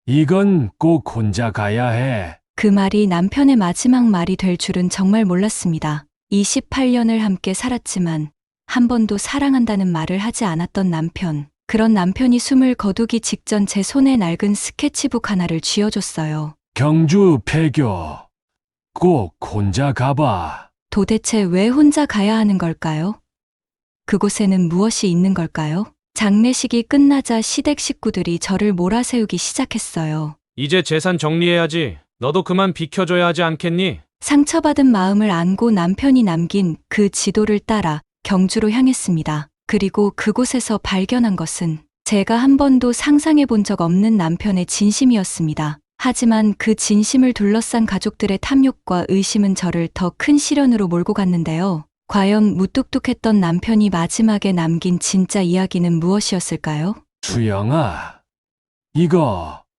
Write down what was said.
이건 꼭 혼자 가야 해. 그 말이 남편의 마지막 말이 될 줄은 정말 몰랐습니다. 28년을 함께 살았지만 한 번도 사랑한다는 말을 하지 않았던 남편. 그런 남편이 숨을 거두기 직전 제 손에 낡은 스케치북 하나를 쥐어줬어요. 경주 폐교. 꼭 혼자 가봐. 도대체 왜 혼자 가야 하는 걸까요? 그곳에는 무엇이 있는 걸까요? 장례식이 끝나자 시댁 식구들이 저를 몰아세우기 시작했어요. 이제 재산 정리해야지. 너도 그만 비켜줘야 하지 않겠니? 상처받은 마음을 안고 남편이 남긴 그 지도를 따라 경주로 향했습니다. 그리고 그곳에서 발견한 것은 제가 한 번도 상상해 본 적 없는 남편의 진심이었습니다. 하지만 그 진심을 둘러싼 가족들의 탐욕과 의심은 저를 더 큰 시련으로 몰고 갔는데요. 과연 무뚝뚝했던 남편이 마지막에 남긴 진짜 이야기는 무엇이었을까요? 수영아, 이거